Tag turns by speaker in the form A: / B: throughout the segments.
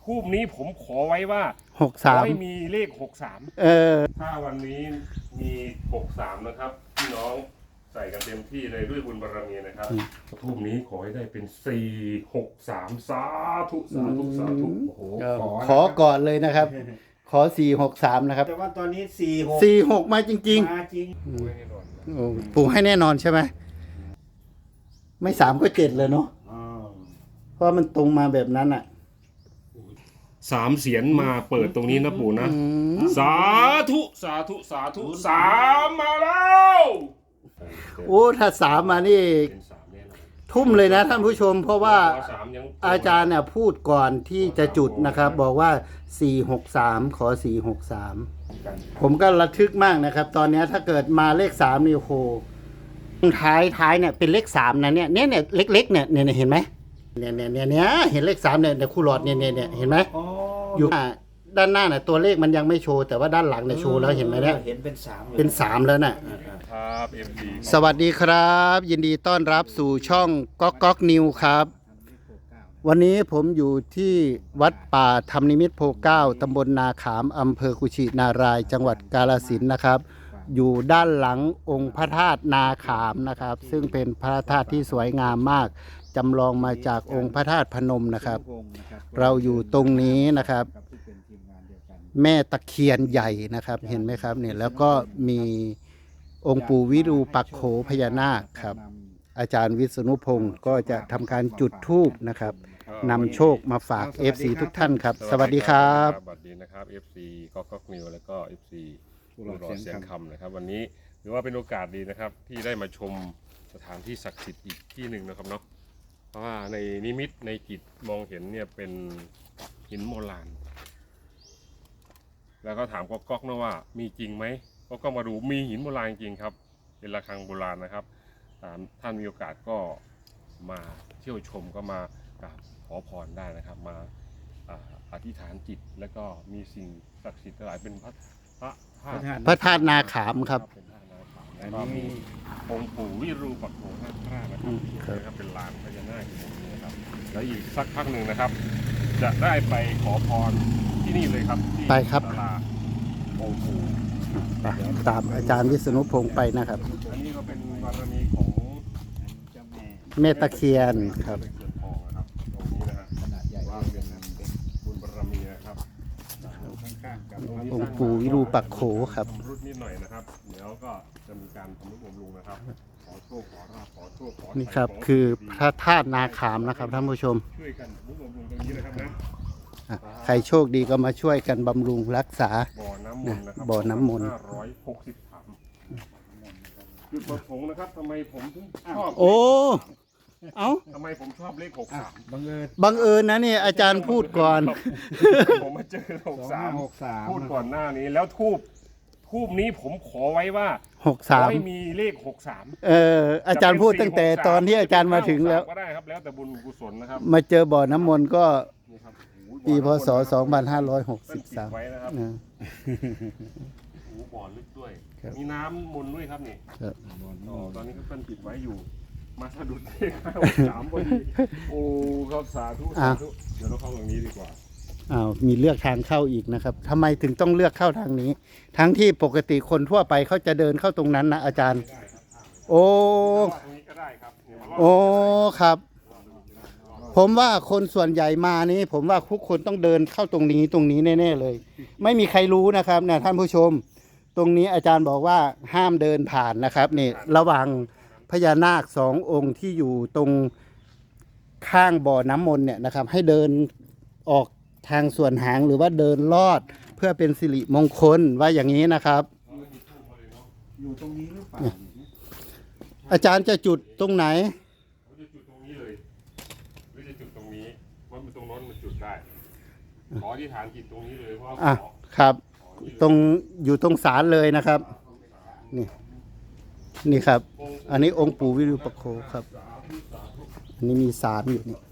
A: ทูบนี้ผมขอไว้ว่าไม่มีเลข63ถ้าวันนี้มี63นะครับพี่น้องใส่กันเต็มที่เลยด้วยบุญบารมีนะครับทูบนี้ขอให้ได้เป็น463สาธุสาธุสาธุโอ้โห
B: ขอก่อนเลยนะครับขอ463นะครับ
C: แต่ว่าตอนนี้
B: 46มาจริง
C: มาจริง
B: ๆปู่ให้แน่นอนใช่ไหมไม่3ก็7เลยเนาะเพราะมันตรงมาแบบนั้นอ่ะ
A: 3 เสียนมาเปิดตรงนี้นะปู่นะสาธุสาธุสาธุ3มาแล้ว
B: โอ้ถ้า3มานี่ทุ่มเลยนะท่านผู้ชมเพราะว่าอาจารย์เนี่ยพูดก่อนที่จะจุดนะครับบอกว่า463ขอ463ผมก็ระทึกมากนะครับตอนนี้ถ้าเกิดมาเลข3นี่โอ้โหท้ายเนี่ยเป็นเลข3นะเนี่ยเล็กๆเนี่ยเห็นไหมเนี่ยเห็นเลข3เนี่ยคู่หลอดเนี่ยเห็นไหมอยู่ด้านหน้าน่ะตัวเลขมันยังไม่โชว์แต่ว่าด้านหลังเนี่ยโชว์แล้วเห็นไหมเนี่ย
C: เห็นเป็น3
B: แล้วน่ะ
A: ครับ
B: สวัสดีครับยินดีต้อนรับสู่ช่องก๊อกนิวครับวันนี้ผมอยู่ที่วัดป่าธรรมนิมิตรโพเก้าตำบลนาขามอำเภอกุชินารายจังหวัดกาฬสินธุ์นะครับอยู่ด้านหลังองค์พระธาตุนาขามนะครับซึ่งเป็นพระธาตุที่สวยงามมากจำลองมาจากองค์พระธาตุพนมนะครับเราอยู่ตรงนี้นะครับแม่ตะเคียนใหญ่นะครับเห็นไหมครับเนี่ยแล้วก็มีองค์ปู่วิรูปักโขพญานาคครับอาจารย์วิษณุพงศ์ก็จะทำการจุดธูปนะครับนำโชคมาฝาก FC ทุกท่านครับสวัสดีครับ
A: สวัสดีนะครับ FC ก๊อกนิวแล้วก็ FC ผู้รอเสียงคำนะครับวันนี้ถือว่าเป็นโอกาสดีนะครับที่ได้มาชมสถานที่ศักดิ์สิทธิ์อีกที่หนึ่งนะครับเนาะเพราะว่าในนิมิตในจิตมองเห็นเนี่ยเป็นหินโบราณแล้วก็ถามก๊อกนะว่ามีจริงไหมก็มาดูมีหินโบราณจริงครับเป็นระฆังโบราณนะครับท่านมีโอกาสก็มาเที่ยวชมก็มากราบขอพรได้นะครับมาอธิษฐานจิตแล้วก็มีสิ่งศักดิ์สิทธิ์หลายเป็นพระ
B: ธาตุนาขามครับ
A: แล้วก็มีองค์ปู่วิรูปักโขนาคราชนะครับเป็นลานพญานาคอยู่ตรงนี้นะครับแล้วอีกสักพักหนึ่งนะครับ จะได้ไปขอพรที่นี่เลยครับ
B: ไปครับ
A: ศาลาองค์ปู่
B: ตามอาจารย์วิษณุพงศ์ไปนะครับ
A: อันนี้ก็เป็นบารมีของ
C: เจ้า
B: แม่ตะเคียนครับ
A: ตรงนี้นะฮะขนาดใหญ่ว่าเป็นบุญบารมีนะครับ
C: ข้างๆกับ
B: องค์ปู่วิรูปักโขครับ
A: รุดนิดหน่อยนะครับเดี๋ยวก็จะมีการทำนุบำรุงนะครับขอโชคขอราภขอโชคขอ
B: นี่ครับคือพระธาตุนาขามนะครับท่านผู้ชม
A: ช่วยกันนุบำรุงตรงนี้นะครับนะ
B: ใครโชคดีก็มาช่วยกันบำรุงรักษา
A: บ่อน้ำมนต์นะครับ
B: บ่อน้ำมนต์
A: 560 ถังจุดประสงค์นะครับทำไมผมถึงชอบ
B: โอ้
A: ทำไมผมชอบเลข63
B: บังเอิญนะนี่อาจารย์พูดก่อน
A: ผมมาเจอ63พูดก่อนหน้านี้แล้วทูบนี้ผมขอไว้ว่า
B: 63
A: ไม่มีเลข63
B: อาจารย์พูดตั้งแต่ตอนที่อาจารย์มาถึงแล้ว
A: ก็ได้ครับแล้วแต่บุญกุศลนะครับ
B: มาเจอบ่อน้ำมนต์ก็ปีพศ2563
A: ไว้นะครับบ่อลึกด้วยมีน้ำมนต์ด้วยครับนี่ตอนนี้ก็เพิ่นปิดไว้อยู่มาสะดุดเลข63พอดีโอ้ครับสาธุเดี๋ยวเราเข้าตรงนี้ดีกว่า
B: มีเลือกทางเข้าอีกนะครับทำไมถึงต้องเลือกเข้าทางนี้ทั้งที่ปกติคนทั่วไปเขาจะเดินเข้าตรงนั้นนะอาจารย์โอ้ครับผมว่าคนส่วนใหญ่มานี้ผมว่าทุกคนต้องเดินเข้าตรงนี้แน่ๆเลยไม่มีใครรู้นะครับนะท่านผู้ชมตรงนี้อาจารย์บอกว่าห้ามเดินผ่านนะครับนี่ระหว่างพญานาค2 องค์ที่อยู่ตรงข้างบ่อน้ำมนต์เนี่ยนะครับให้เดินออกทางส่วนหางหรือว่าเดินลอดเพื่อเป็นสิริมงคลว่าอย่างนี้นะครับ
C: อยู่ตรงนี้หรือเปล่า
B: อาจารย์จะจุดตรงไหน
A: จะจุดตรงนี้เลยหรือจะจุดตรงนี้ว่าตรงโน้นมันจุดได้ขอที่ฐานจิตตรงนี้เลยเพราะ
B: ครับตรงอยู่ตรงศาลเลยนะครับนี่ครับอันนี้องค์ปู่วิรูปักโขครับอันนี้มีศาลอยู่นี่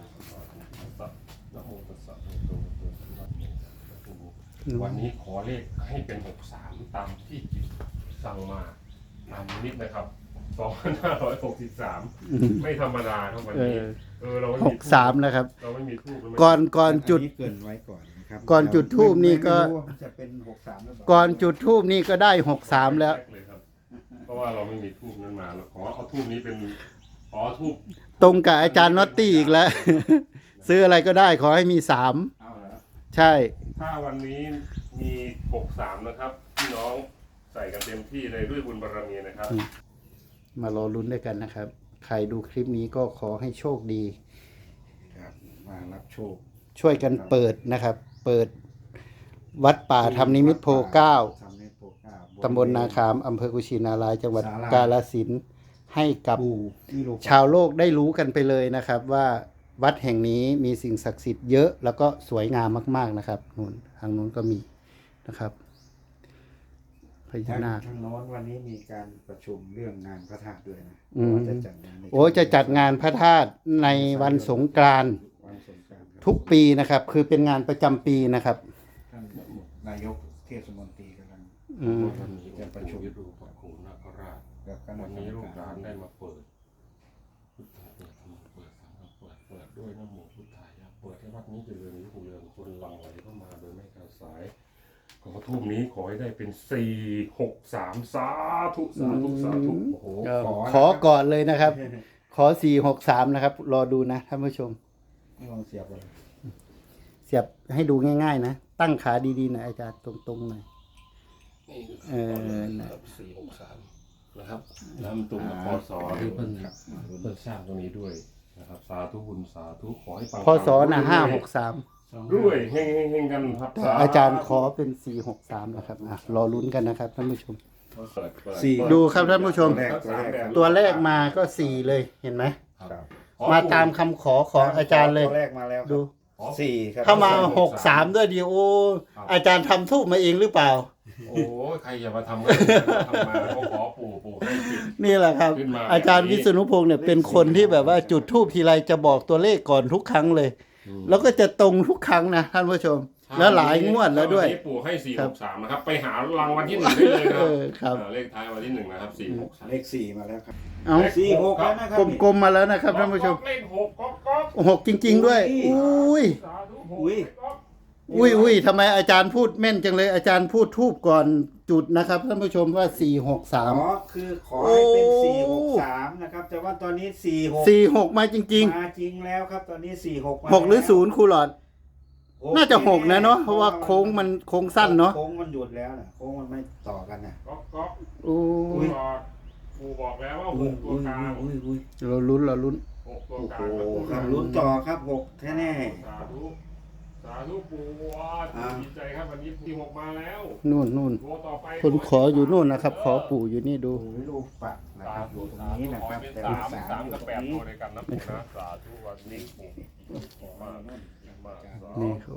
A: วันนี้ขอเลขให้เป็น63ตามที่จิตสั่งมาตามนิดนะครับ 2563ไม่ธรรมดาครับวันนี้เราไม่
B: ห
A: มี
B: กสามนะครับ
A: เราไม่มีทูบ
B: ก่อนจุด
C: อันนี้เกรินไว้ก่อนนะครับ
B: ก่อนจุดธูปนี่ก็
C: ไม่รู้ว่าจะเป็น63หรือเปล่า
B: ก่อนจุดทูบนี่ก็ได้63แล้ว
A: เพราะว่าเราไม่มีทูบนั้นมาเราขอเอาทูบนี้เป็นขอทูบ
B: ตรงกับอาจารย์น็อตตี้อีกแล้ว ซื้ออะไรก็ได้ขอให้มีสาม
C: เอาเหรอ
B: ใช่
A: ถ้าวันนี้มี63นะครับพี่น้องใส่กันเต็มที่เลยด้วยบุญบารมีนะครับ
B: มารอลุ้นด้วยกันนะครับ ใครดูคลิปนี้ก็ขอให้โชคดี
C: ครับมารับโชค
B: ช่วยกันเปิดนะครับ เปิดวัดป่าธรรมนิมิตรโพเก้า
C: ธรรมนิมิตรโพเก้า
B: ตำบลนาคามอำเภอกุชินารายจังหวัด
C: ศาลา
B: กาฬสินธุ์ให้กับ
C: ปู่วิโรจน์
B: ชาวโลกได้รู้กันไปเลยนะครับ ว่าวัดแห่งนี้มีสิ่งศักดิ์สิทธิ์เยอะแล้วก็สวยงามมากๆนะครับนู่นทางนู้นก็มีนะครับพญานาค
C: ทางโน้นวันนี้มีการประชุมเรื่องงานพระธาตุด้วยนะ
B: อืม
C: ว่าจะจัดงานใน
B: โอ้จะจัดงานพระธาตุในวันสงกรานต์
C: วันสงกรานต์ครับ
B: ทุกปีนะครับ คือเป็นงานประจำปีนะครับ
C: ท่านนายกเทศมนตรีกำลัง
B: อืม
A: วันนี้จะประชุมดูพระครูนาคราช
C: กับคณะ
A: วัน
C: กร
A: นี้
C: ร
A: ลู
C: ม
A: กห
C: กา
A: ลาน
C: ร
A: ได้มาเปิดพุทธะเปิดธรรมะเปิดสังฆะเปิดด้วยนะโมพุทธายะเปิดให้วัดนี้เจริญรุ่งเรืองคนหลั่งไหลเข้ามาโดยไม่ขาดสายขอทูบนี้ขอให้ได้เป็น463สาธุสาธุสาธุโอ้โห
B: ขอก่อนเลยนะครับ ขอ463นะครับ รอดูนะท่านผู้ชม
C: ไม่ลองเสียบเลย
B: เสียบให้ดูง่ายๆนะ ตั้งขาดีๆหน่อยอาจารย์ตรงๆหน่อย
A: นี่
B: เออนะ
A: 463นะครับน้ำตุงกับพศที่เพิ่นสร้างตรงนี้ด้วยนะครับสาธุบุญสาธุขอให้ปัง
B: พศนะ563
A: ด้วยเฮงๆกันครับ
B: แต่อาจารย์ขอเป็น463นะครับอ่ะรอลุ้นกันนะครับท่านผู้ชม
C: สี่
B: ดูครับท่านผู้ชม
C: ตัวแรก
B: ตัวแรกมาก็4เลยเห็นไหม
C: ครับ
B: มาตามคำขอของอาจารย์เลย
C: ตัวแรกมาแล้ว
B: ดู
C: สี่ครับ
B: ถ้ามา63ด้วยดีโออาจารย์ทำทูบมาเองหรือเปล่า
A: โอ้ยใครอย่ามาทำทำมาเขาขอปู่ให้ปิด
B: นี่แหละครับ
A: ขึ้นมา
B: อาจารย์วิษณุพงศ์เนี่ยเป็นคนที่แบบว่าจุดทูบทีไรจะบอกตัวเลขก่อนทุกครั้งเลย แล้วก็จะตรงทุกครั้งนะท่านผู้ชม แล้วหลายงวดแล้วด้วย
A: นนี้ปู่ให้463นะครับไปหารางวัลที่1ได้เลยนะ
B: เออครับ
A: เลขท้ายวันที่1นะครับ463
C: เลขสี่มาแล้วครับ
B: เอา
C: สี่หกแล้วนะครับ
B: กลมๆมาแล้วนะครับท่านผู้ชม
A: เลข6ก๊อก
B: 6จริง ๆ ด้วย อุ้ย
A: สาธุ
C: อุ้ย
B: อุ้ยทำไมอาจารย์พูดแม่นจังเลยอาจารย์พูดทูบก่อนจุดนะครับท่านผู้ชมว่า463
C: คือขอให้เป็น
B: โอ้
C: 463นะครับแต่ว่าตอนนี้46
B: 46มาจริง
C: มาจริงแล้วครับตอนนี้46มา
B: ๆ6หรือ0ครูหลอด น่าจะ6นะเนาะเพราะว่าโค้งมันโค้งสั้นเนาะ
C: โค้งมันหยุดแล้วนะโค้งมันไม่ต่อกันนะ
A: ก๊อก
B: โอ้
A: ปู่บอกแล้วว่า6ตัวกลาง
C: อุ้ย
B: เราลุ้นเราลุ้น
A: 6ตัว
C: โอ้
A: ก
C: โห
A: ลาง
C: ครับลุ้นต่อครับ6แน่
A: สาธุปู่ดีใจครับวันนี้ที่6มาแล้ว
B: นู่น
A: ตัวต่อไป
B: คนขออยู่นู่นนะครับ ขอปู่อยู่นี่ดู
C: ๆโอ้ยลูกปัดนะครับอยู่ตรงนี้นะครับแต่
A: สา
C: ลูก
A: ม
C: สามอยู่
A: กับ
C: ตรง
A: 8
C: นี้
A: ตัวในกันนะปู่นะสาธุวันนี้ปู่มา
B: นี่เขา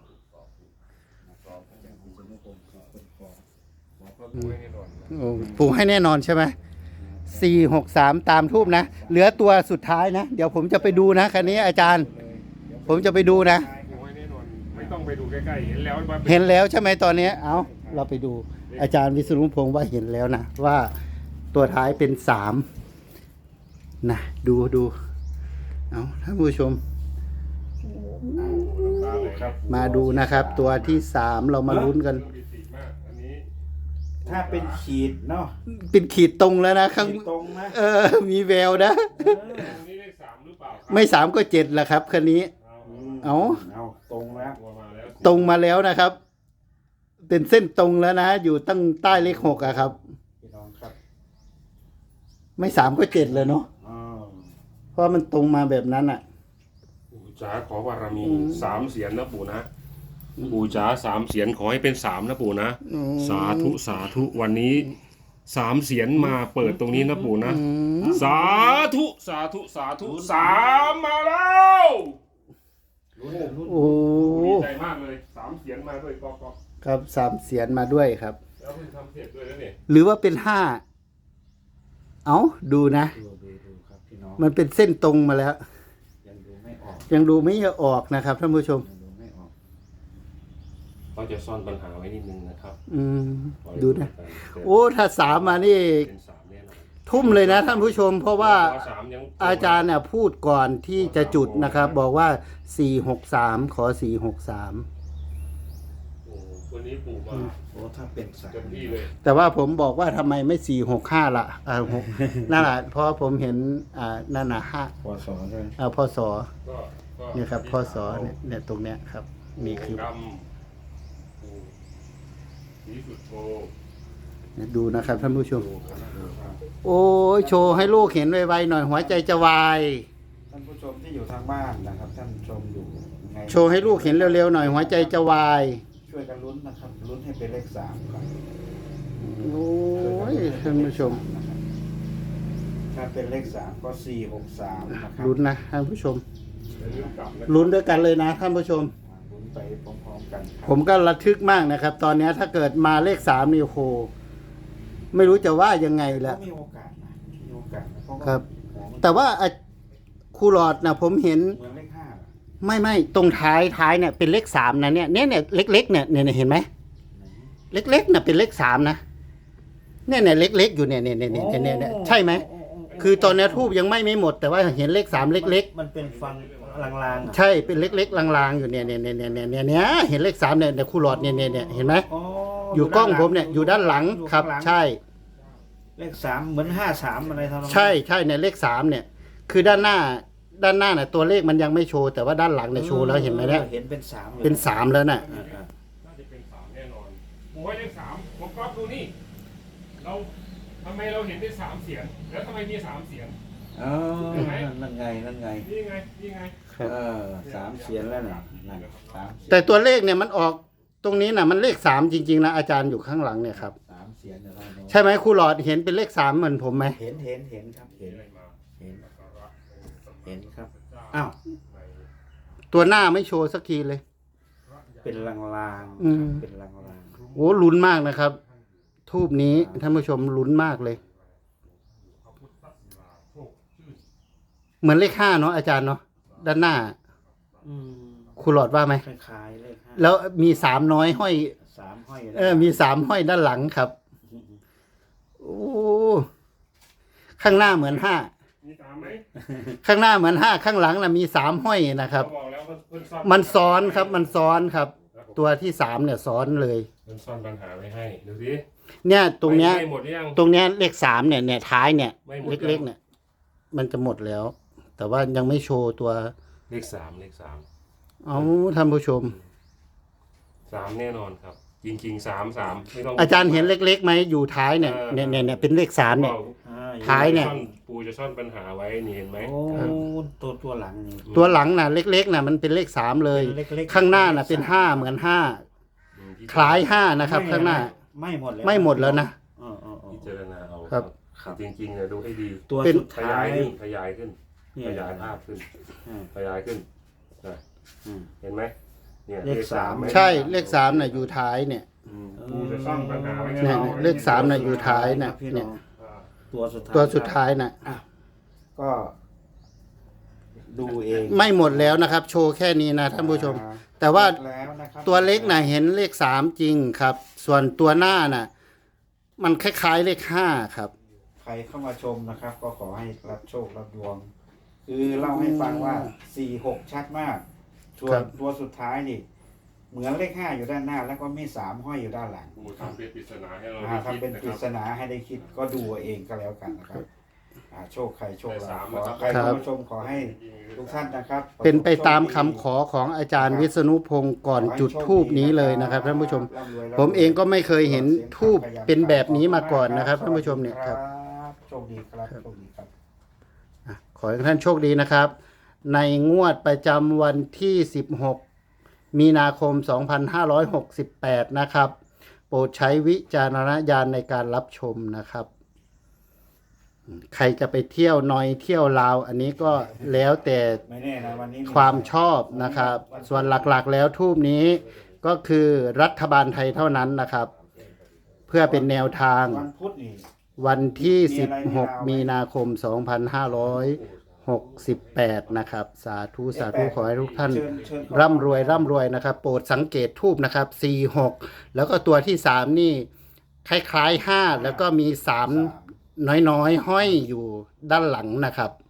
B: โอ้ปู่ให้แน่นอนใช่ไหม463ตามทูบนะ เหลือตัวสุดท้ายนะ เดี๋ยวผมจะไปดูนะคันนี้อาจารย์ ผมจะไปดูนะ
A: ปู่ให้แน่นอนไม่ต้องไปดูใกล้ๆเห็นแล้วว่า
B: เห็นแล้วใช่ไหมตอนนี้ เอาเราไปดู อาจารย์วิษณุพงศ์ว่าเห็นแล้วนะ ว่าตัวท้ายเป็น3นะดูเอาท่านผู้ชม มาดูนะครับ ตัวที่3เรามาลุ้นกัน
C: ถ้าเป็นขีดเนาะ
B: เป็นขีดตรงแล้วนะข้าง
C: ขีดตรงนะ
B: มีแววนะ
A: นี่เลข3หรือเปล่า
B: ไม่3ก็7แหละครับคันนี้ เอา
C: ตรงแล้ว
A: ตัวมาแล้ว
B: ตรงมาแล้วนะครับ เป็นเส้นตรงแล้วนะ อยู่ตั้งใต้เลข6อะครับ
C: พี่น้องครับ
B: ไม่3ก็7เลยเนาะ
C: อ้าว
B: เพราะมันตรงมาแบบนั้นอ่ะ
A: ปู่จ๋าขอบารมี3เสียนนะปู่นะปู่จ๋า3เสียนขอให้เป็น3นะปู่นะสาธุวันนี้3เสียนมาเปิดตรงนี้นะปู่นะสาธุ3มาแล้ว
B: โอ้
A: ดีใจมากเลย3เสียนมาด้วยก๊อก
B: ครับ3เสียนมาด้วยครับ
A: แล้วเพิ่งทำเสร็จด้วยแล้วเนี่ย
B: หรือว่าเป็น5เอาดูนะ
C: ดูครับพี่น้อง
B: มันเป็นเส้นตรงมาแล้ว
C: ยังดูไม่ออก
B: ยังดูไม่ออกนะครับท่านผู้ชม
C: ยังดูไม่ออก
A: ก็จะซ่อนปัญหาไว้นิดนึงนะครับ
B: ดูนะ โอ้ถ้า3มานี่
A: เป็น3แน่นอน
B: ทุ่มเลยนะท่านผู้ชม เพราะว่า
A: ขอสามยัง
B: อาจารย์เนี่ยพูดก่อนที่จะจุดนะครับ บอกว่า 463 ขอ 463
A: โอ้วันนี้ปู่มา
C: โอ้ถ้าเป็นสาม
A: เต็มที่เลย
B: แต่ว่าผมบอกว่าทำไมไม่465ล่ะนั่นแหละเพราะผมเห็นนั่นน่ะ5
C: พอสอนด้วย
B: พศ
A: ก็
B: เนี่ยครับพศเนี่ยตรงเนี้ยครับนี่คือ
A: ดำปู่สีสุดโท
B: ดูนะครับท่านผู้ชม
A: ดูครับ
B: โอ้ยโชว์ให้ลูกเห็นไวๆหน่อยหัวใจจะวาย
C: ท่านผู้ชมที่อยู่ทางบ้านนะครับ ท่านชมอยู่ไง
B: โชว์ให้ลูกเห็นเร็วๆหน่อยหัวใจจะวาย
C: ช่วยกันลุ้นนะครับลุ้นให้เป็นเลข3ครับ
B: โอ้ยท่านผู้ชม
C: นะครับถ้าเป็นเลข3ก็463นะครับ
B: ลุ้นนะท่านผู้ชม
A: อย่าลืมกลับนะ
B: ลุ้นด้วยกันเลยนะท่านผู้ชม
C: ลุ้นไปพร้อมๆกันครับ
B: ผมก็ระทึกมากนะครับ ตอนนี้ถ้าเกิดมาเลข3นี่โอ้โหไม่รู้จะว่ายังไง
C: ก็
B: ละ
C: มีโอกาสนะมีโอกาสนะเพราะว่า
B: ครับ
C: ของมัน
B: แต่ว่าครูหลอดนะผมเห็น
C: เหมือนเลข5อะ
B: ไม่ตรงท้ายเนี่ยเป็นเลข3นะเนี่ยเล็กๆเนี่ยเห็นไหมเล็กๆน่ะเป็นเลข3นะเนี่ยเล็กๆอยู่เนี่ยใช่ไหมคือตอนนี้ทูบยังไม่หมด แต่ว่าเห็นเลข3เล็ก
C: มันเป็นฟังลางๆ
B: ๆ ใช่เป็นเล็กๆลางๆอยู่เนี่ยเห็นเลข3เนี่ยครูหลอดเนี่ยเห็นไหม
C: อ๋อ
B: อยู่กล้องผมเนี่ยอยู่ด้านหลังครับ
C: อยู่ข้างหลัง
B: ใช่
C: เลข3เหมือน53อะไรทำนองนั้น
B: ใช่เนี่ยเลข3เนี่ย คือด้านหน้าน่ะตัวเลขมันยังไม่โชว์แต่ว่าด้านหลังเนี่ยโชว์แล้วเห็นไหมเนี่ย
C: เห็นเป็น3อยู่
B: เป็น3แล้วน่ะ
A: น่าจะเป็นสามแน่นอนปู่ให้เลขสามผมก๊อฟดูนี่เราทำไมเราเห็นได้สามเสียงแล้วทำไมมีสามเสียง
C: อ๋อนั่นไง
A: นี่ไงนี่ไง
C: 3เสียนแล้วน่ะนั่น3
B: แต่ตัวเลขเนี่ยมันออกตรงนี้น่ะมันเลข3จริงๆนะอาจารย์อยู่ข้างหลังเนี่ยครับ
C: 3เสียนเดี๋ยวเราดู
B: ใช่ไหมครูหลอดเห็นเป็นเลข3เหมือนผมไหม
C: เห็นครับเห็น
A: อะไรมา
C: เห็นครับอ้าว
B: ตัวหน้าไม่โชว์สักทีเลย
C: เป็นลาง
B: อืม
C: เป็นลาง
B: โอ้ลุ้นมากนะครับ ทูบนี้ท่านผู้ชมลุ้นมากเลย เหมือนเลข5เนาะอาจารย์เนาะด้านหน้า
C: ๆ
B: ครูหลอดว่าไหม
C: คล้ายๆเลข5
B: แล้วมี3น้อยห้อย
C: 3ห้อย
B: มี3ห้อยด้านหลังครับ โอ้ข้างหน้าเหมือน5
A: มีสามไหม
B: ข้างหน้าเหมือน5ข้างหลังน่ะมี3ห้อยนะครับ
A: เขาบอกแล้วเพิ่นซ่อน
B: มันซ้อนครับมันซ้อนครับ ตัวที่3เนี่ยซ้อนเลย
A: เพิ่นซ่อนปัญหาไว้ให้ดูสิ
B: เนี่ยตรงเนี้ย
A: ไม่หมดหรือยัง
B: ตรงเนี้ยเลข3เนี่ยท้ายเนี่ย
A: ไม่หมด
B: เล็กๆเนี่ย มันจะหมดแล้ว แต่ว่ายังไม่โชว์ตัว
A: เลขสาม
B: เอาท่านผู้ชม
A: สามแน่นอนครับ จริงๆสามไม่ต้อง
B: อาจารย์เห็นเล็กๆไหมอยู่ท้ายเนี่ยเนี่ยเป็นเลข3เนี่ย ท้ายเนี่ย
A: ปูจะซ่อนปัญหาไว้นี่เห็นไหม
C: โอ้ตัวหลังนี่
B: ตัวหลังน่ะเล็กๆน่ะมันเป็นเลข3เลย
C: เล็กๆ
B: ข้างหน้าน่ะเป็น5เหมือน5คล้าย5นะครับ ข้างหน้า
C: ไม่หมดแล้ว
B: ไม่หมดแล้วนะ
A: พิจารณาเอา
B: ครับ
A: จริงๆเนี่ยดูให้ดี
C: ตัว
B: เป็น
C: สุด
A: ข
C: ท้าย
A: ายขึ้นขยายขึ้น
C: เนี่
A: ขยายภาพขึ้น
C: อืม
A: ขยายขึ้นนะ
C: อืม
A: เห็นไหมเนี่ย
C: เลขสาม
A: ไหม
B: ใช่เลข3น่ะอยู่ท้ายเนี่ย
A: ปูจะซ่อนปัญหาไว้ให้
B: เนี่ย
A: เรา
B: เลข3น่ะอยู่ท้ายน่ะ
C: พี่
B: เนี่
C: น้
B: ย
C: อง
A: อ่า
C: ตัวสุดท้าย
B: ตัวสุดท้ายน่ะ
C: ก็ดูเอง
B: ไม่หมดแล้วนะครับ โชว์แค่นี้นะท่านผู้ชม แต่ว่า
C: แล้วนะครับ
B: ตัวเล็กน่ะเห็นเลข3จริงครับ ส่วนตัวหน้าน่ะ มันคล้ายๆเลข5ครับ
C: ใครเข้ามาชมนะครับ ก็ขอให้รับโชครับดวง คือเล่าให้ฟังว่า4-6ชัดมากส่ว
B: ครั
C: น
B: บ
C: ตัวสุดท้ายนี่ เหมือนเลข5อยู่ด้านหน้า แล้วก็มี3ห้อยอยู่ด้านหลัง
A: ปูทำเป็นปริศนาให้เรา
C: ทำเป็น
A: ได้
C: ป
A: คิ
C: ริ
A: ด
C: ศ
A: นะครับ
C: นาให้ได้คิดก็ดูเอาเองก็แล้วกันนะครับโชคใครโชค
A: ได้
C: เรา
A: สาม
C: ขอ
A: นะครับ
C: ใครเข้ามาชมขอให้ทุกท่านนะครับ
B: เป็นไปตามคำขอของอาจารย์วิษณุพงศ์ก่อนจุดทูบนี้เลยนะครับท่านผู้ชม ผมเองก็ไม่เคยเห็นทูบเป็นแบบนี้มาก่อนนะครับท่านผู้ชมเนี่ยครับ
C: โชคดีครับโชคดีครับ
B: ขอให้ท่านโชคดีนะครับ ในงวดประจำวันที่ 16 มีนาคม 2568 นะครับ โปรดใช้วิจารณญาณในการรับชมนะครับ ใครจะไปเที่ยวนอยเที่ยวลาว อันนี้ก็แล้วแต่
C: ไม่แน่นะวันนี้
B: ความชอบนะครับ ส่วนหลักๆแล้วทูบนี้ก็คือรัฐบาลไทยเท่านั้นนะครับ เพื่อเป็นแนวทาง
C: วันพุธนี่
B: วันที่ 16 มีนาคม 2568 นะครับ สาธุสาธุขอให้ทุกท่าน
C: เชิญ
B: ร่ำรวยนะครับ โปรดสังเกตทูบนะครับ 46 แล้วก็ตัวที่ 3 นี่คล้ายๆ 5 แล้วก็มี3 น้อยๆห้อยอยู่ด้านหลังนะครับ